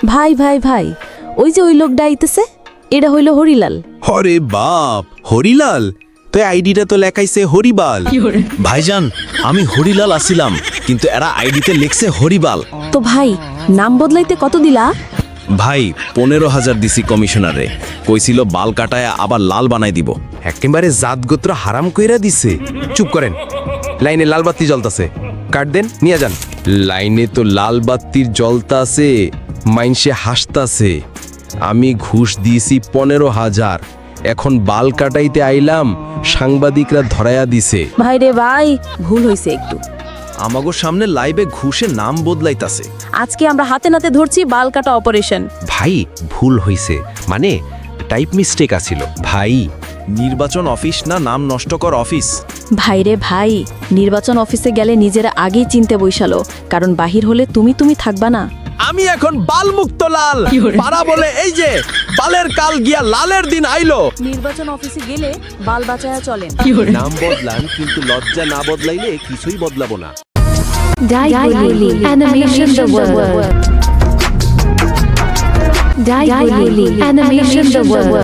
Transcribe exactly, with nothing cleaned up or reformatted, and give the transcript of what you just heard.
ভাই ভাই ভাই ওই যে ওই লোকটা আইতেছে এটা হইল হরিলাল। হরে বাপ, হরিলাল তো আইডিটা তো লেখাইছে হরিবাল। ভাইজান আমি হরিলাল আসিলাম, কিন্তু এরা আইডিতে লিখছে হরিবাল। তো ভাই নাম বদলাইতে কত দিলা? ভাই পনেরো হাজার দিছি কমিশনারে, কইছিল বাল কাটায় আবার লাল বানাই দিব। একেবারে জাতগোত্র হারাম কইরা দিছে। চুপ করেন, লাইনে লাল বাতি জ্বলতাছে, কাট দেন নিয়ে যান। লাইনে তো লাল বাতির জ্বলতাছে, মাইনসে হাসতাছে। আমি ঘুষ দিয়েছি পনেরো হাজার, এখন বাল কাটাইতে আইলাম, সাংবাদিকরা ধরায়া দিছে। ভাই রে ভাই ভুল হইছে একটু। আমাগো সামনে লাইভে ঘুষে নাম বদলাইতাছে। আজকে আমরা হাতে নাতে ধরছি বাল কাটা অপারেশন। ভাই ভুল হইছে, মানে টাইপ মিস্টেক আছিল ভাই। নির্বাচন অফিস না নাম নষ্টকর অফিস। ভাই রে ভাই নির্বাচন অফিসে গেলে নিজেরা আগেই চিনতে বইসালো, কারণ বাহির হলে তুমি তুমি থাকবা না। আমি এখন বাল মুক্ত লাল পারা বলে এই যে বালের কাল গিয়া লালের দিন আইলো। নির্বাচন অফিসে গেলে বাল বাঁচায়া চলেন। নাম বদলান, কিন্তু লজ্জা না বদলাইলে কিছুই বদলাবো না। Daiguli Animation the World. Daiguli Animation the World.